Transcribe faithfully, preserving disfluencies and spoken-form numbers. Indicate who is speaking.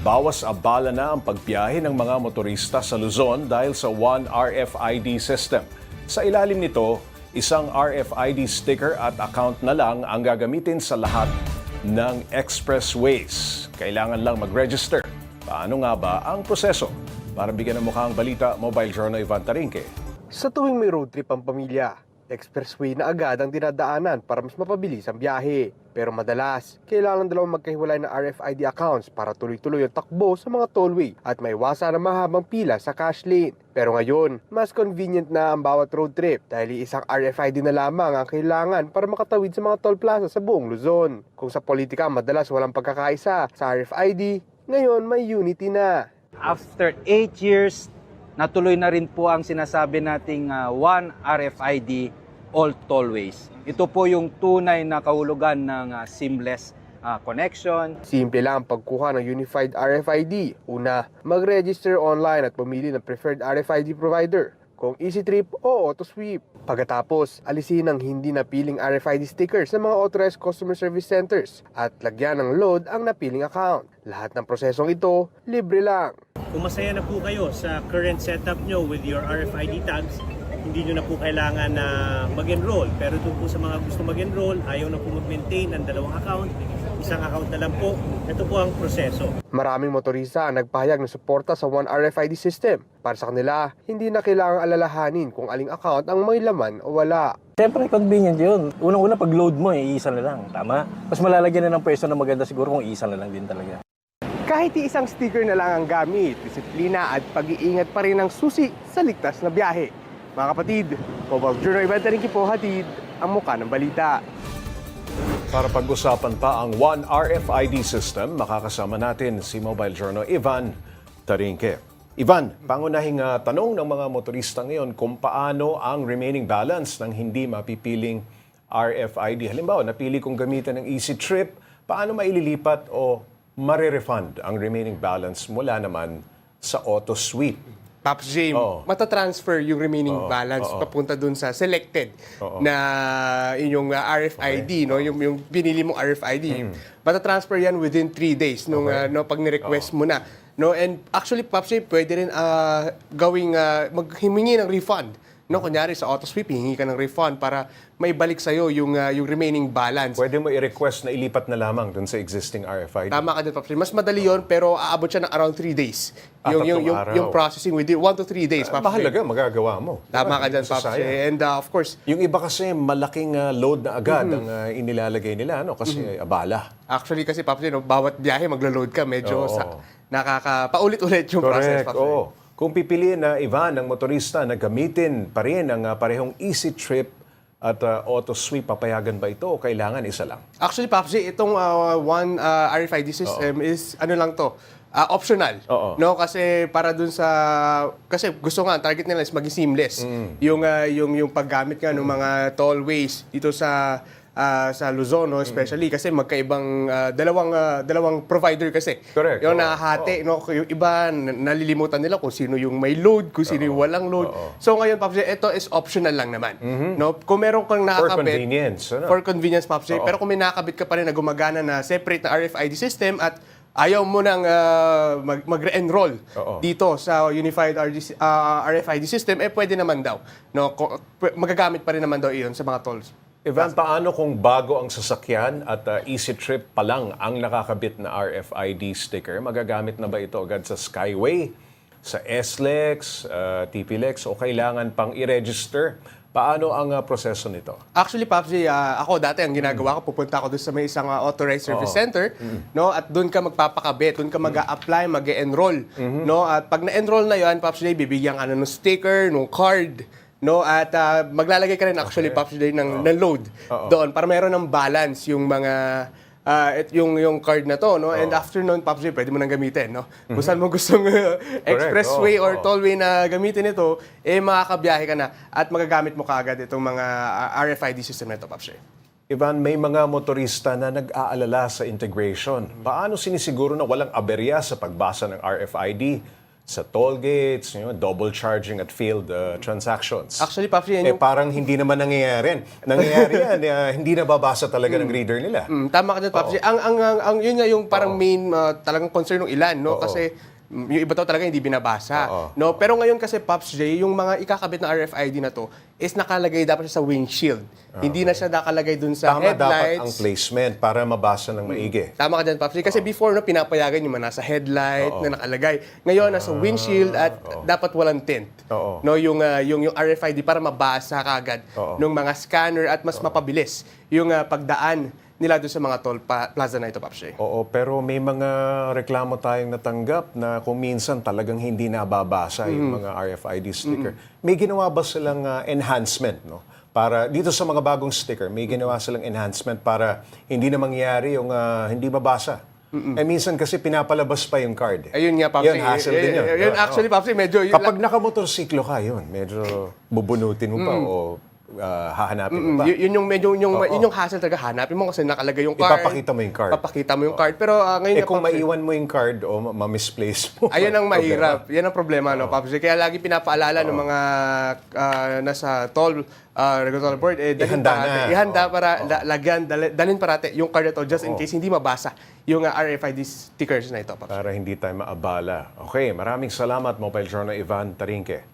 Speaker 1: Bawas abala na ang pagbiyahe ng mga motorista sa Luzon dahil sa One R F I D system. Sa ilalim nito, isang R F I D sticker at account na lang ang gagamitin sa lahat ng expressways. Kailangan lang mag-register. Paano nga ba ang proseso? Para bigyan ng mukha ang balita, Mobile Journal Ivan Tarinque.
Speaker 2: Sa tuwing may road trip ang pamilya, expressway na agad ang dinadaanan para mas mapabilis ang biyahe. Pero madalas, kailangan dalawang magkahiwalay na R F I D accounts para tuloy-tuloy ang takbo sa mga tollway at may iwasan ang mahabang pila sa cash lane. Pero ngayon, mas convenient na ang bawat road trip dahil isang R F I D na lamang ang kailangan para makatawid sa mga toll plaza sa buong Luzon. Kung sa politika madalas walang pagkakaisa sa R F I D, ngayon may unity na.
Speaker 3: After eight years, natuloy na rin po ang sinasabi nating uh, One R F I D all tollways. Ito po yung tunay na kahulugan ng uh, seamless uh, connection.
Speaker 2: Simple lang ang pagkuha ng Unified R F I D. Una, mag-register online at pumili ng preferred R F I D provider, kung EasyTrip o AutoSweep. Pagkatapos, alisin ang hindi napiling R F I D sticker sa mga authorized customer service centers at lagyan ng load ang napiling account. Lahat ng prosesong ito, libre lang.
Speaker 4: Kung masaya na po kayo sa current setup nyo with your R F I D tags, hindi nyo na po kailangan na mag-enroll. Pero doon po sa mga gusto mag-enroll, ayaw na po mag-maintain ng dalawang account, isang account na lang po. Ito po ang proseso.
Speaker 2: Maraming motorista ang nagpahayag ng suporta sa One R F I D system. Para sa kanila, hindi na kailangang alalahanin kung aling account ang may laman o wala.
Speaker 5: Siyempre, convenient yun. Unang-una, pag load mo, eh, isa na lang. Tama? Mas malalagyan na ng pwesto na maganda siguro kung isa na lang din talaga.
Speaker 2: Kahit isang sticker na lang ang gamit, disiplina at pag-iingat pa rin ang susi sa ligtas na biyahe. Mga kapatid, Mobile Journal Ivan Tarinque po, hatid ang mukha ng balita.
Speaker 1: Para pag-usapan pa ang One R F I D system, makakasama natin si Mobile Journal Ivan Tarinque. Ivan, pangunahing uh, tanong ng mga motorista ngayon kung paano ang remaining balance ng hindi mapipiling R F I D. Halimbawa, napili kong gamitan ng EasyTrip, paano maililipat o mare-refund ang remaining balance mula naman sa AutoSweep?
Speaker 2: Pops J,
Speaker 1: Oo.
Speaker 2: matatransfer yung remaining
Speaker 1: Oo,
Speaker 2: balance
Speaker 1: oo.
Speaker 2: papunta dun sa selected
Speaker 1: Oo.
Speaker 2: na inyong uh, R F I D, no? Yung, yung binili mong R F I D. Matatransfer yan within three days nung
Speaker 1: Okay.
Speaker 2: uh, no, pag ni-request mo na. No? And actually, Pops J, pwede rin uh, gawing, uh, maghimingi ng refund. No, kunyari sa AutoSweep, hihingi ka ng refund para maibalik sa'yo yung, uh, yung remaining balance.
Speaker 1: Pwede mo i-request na ilipat na lamang dun sa existing R F I D.
Speaker 2: Tama ka din, Pops J. Mas madali yon pero aabot siya ng around three days.
Speaker 1: Ah,
Speaker 2: Yung, yung,
Speaker 1: tatlong
Speaker 2: yung,
Speaker 1: araw.
Speaker 2: yung processing within one to three days,
Speaker 1: Ah,
Speaker 2: Pops J.
Speaker 1: mahalaga, magagawa mo.
Speaker 2: Tama ka
Speaker 1: Diba?
Speaker 2: dyan,
Speaker 1: Hindi
Speaker 2: Pops J.
Speaker 1: sasayang.
Speaker 2: And uh, of course,
Speaker 1: Yung iba kasi malaking uh, load na agad ang uh, inilalagay nila, ano? Kasi abala.
Speaker 2: actually kasi, Pops J, no, bawat biyahe maglo-load ka, medyo
Speaker 1: Oo.
Speaker 2: sa, nakaka, paulit-ulit yung process,
Speaker 1: Correct.
Speaker 2: Pops J.
Speaker 1: Oo. Kung pipiliin na Ivan ng motorista na gamitin pa rin ang uh, parehong EasyTrip at uh, AutoSweep, papayagan ba ito o kailangan isa lang?
Speaker 2: Actually, Pops J, itong uh, one uh, R F I D system is, ano lang to, uh, optional.
Speaker 1: Oo.
Speaker 2: No, kasi para dun sa, kasi gusto nga, ang target nila is maging seamless. Yung, uh, yung, yung paggamit nga ng mga tollways dito sa ah, sa Luzon, no, especially kasi magkaibang ah, dalawang ah, dalawang provider kasi.
Speaker 1: Correct.
Speaker 2: Yung
Speaker 1: Oo.
Speaker 2: nahahati, no, yung iba n- nalilimutan nila kung sino yung may load, kung sino yung walang load.
Speaker 1: Oo.
Speaker 2: So ngayon, Pops J, ito is optional lang naman. No, kung meron kang nakakabit
Speaker 1: convenience, ano?
Speaker 2: for convenience, Pops J,
Speaker 1: Oo.
Speaker 2: pero kung may nakakabit ka pa rin na gumagana na separate na R F I D system at ayaw mo nang ah, mag- mag-re-enroll
Speaker 1: Oo.
Speaker 2: dito sa Unified R D C ah, R F I D system, eh pwede naman daw. No, Ko- pw- magagamit pa rin naman daw iyon sa mga tolls.
Speaker 1: Ivan, paano kung bago ang sasakyan at uh, EasyTrip pa lang ang nakakabit na R F I D sticker? Magagamit na ba ito agad sa Skyway, sa S L E X, uh, T P L E X o kailangan pang i-register? Paano ang uh, proseso nito?
Speaker 2: Actually, Pops J, ah, ako dati ang ginagawa ko, pupunta ako doon sa may isang ah, authorized service
Speaker 1: Oo.
Speaker 2: center, no? At doon ka magpapakabit, doon ka mag-a-apply, mag-enroll, no? At pag na-enroll na 'yon, Pops J, bibigyan ka na ng sticker, ng card, no? At ah, maglalagay ka rin actually, Pops J, ng, ng load
Speaker 1: Oo.
Speaker 2: doon para meron ng balance yung mga ah, et- yung yung card na to, no? And after noon, Pops J, pwede mo nang gamitin, no? Kung saan mo gustong uh, expressway
Speaker 1: Oo,
Speaker 2: or
Speaker 1: oo.
Speaker 2: tollway na gamitin ito, eh makakabiyahe ka na at magagamit mo kaagad itong mga ah, R F I D system na ito, Pops J.
Speaker 1: Ivan, may mga motorista na nag-aalala sa integration. Paano sinisiguro na walang aberya sa pagbasa ng R F I D sa toll gates, you know, double charging at failed uh, transactions.
Speaker 2: Actually, Pops, yan
Speaker 1: eh
Speaker 2: yung...
Speaker 1: parang hindi naman nangyayari. Nangyayari yan, eh, hindi nababasa talaga ng reader nila.
Speaker 2: Mm, tama ka dyan, Pops. Ang, ang, ang, ang, yun nga yung parang main uh, talagang concern ng ilan, no?
Speaker 1: Oo.
Speaker 2: Kasi mm, yung iba daw talaga hindi binabasa.
Speaker 1: Oo.
Speaker 2: No? Pero ngayon kasi, Pops J, yung mga ikakabit na R F I D na to is nakalagay dapat siya sa windshield. Hindi na siya nakalagay dun sa
Speaker 1: Tama dapat
Speaker 2: headlights.
Speaker 1: ang placement para mabasa ng maigi.
Speaker 2: Tama ka dyan, Pops J. Kasi before, no, pinapayagan yung mga nasa headlight na nakalagay. Ngayon, nasa windshield at dapat walang tint.
Speaker 1: Oo.
Speaker 2: No, yung, uh, yung, yung R F I D para mabasa kagad
Speaker 1: Oo.
Speaker 2: ng mga scanner at mas mapabilis yung uh, pagdaan nila doon sa mga toll pa- plaza na ito, Pops J.
Speaker 1: Oo, pero may mga reklamo tayong natanggap na kung minsan talagang hindi nababasa yung mga R F I D sticker. May ginawa ba silang uh, enhancement, no? Para dito sa mga bagong sticker, may ginawa silang enhancement para hindi na mangyari yung uh, hindi mabasa. Eh minsan kasi pinapalabas pa yung card. Eh.
Speaker 2: Ayun nga, Pops
Speaker 1: Yun,
Speaker 2: J.
Speaker 1: hassle
Speaker 2: Y-
Speaker 1: din yun.
Speaker 2: y- Yun,
Speaker 1: Oo.
Speaker 2: actually, Pops J, medyo...
Speaker 1: Kapag nakamotorsiklo ka, yun, medyo bubunutin mo pa o uh, hahanapin mo
Speaker 2: Mm,
Speaker 1: pa.
Speaker 2: y- yun yung medyo yung,
Speaker 1: Oo.
Speaker 2: yun yung hassle talaga, hanapin mo kasi nakalagay yung card.
Speaker 1: Ipapakita mo yung card.
Speaker 2: Papakita mo yung card. Pero ah, ngayon
Speaker 1: Eh
Speaker 2: nga,
Speaker 1: kung
Speaker 2: Pops J,
Speaker 1: maiwan mo yung card o ma- ma-misplace mo.
Speaker 2: ayun ang mahirap.
Speaker 1: problema.
Speaker 2: Yan ang problema, no, Pops J. Kaya lagi pinapaalala ng mga ah, nasa toll uh, regulatory board, eh, dalhin
Speaker 1: Ihanda
Speaker 2: parate.
Speaker 1: na.
Speaker 2: Ihanda
Speaker 1: Oo.
Speaker 2: para la- lagyan, dal- dalhin parate yung card na to just in case hindi mabasa yung ah, R F I D stickers na ito, Pops J.
Speaker 1: Para hindi tayo maabala. Okay, maraming salamat, Mobile Journal Ivan Tarinque.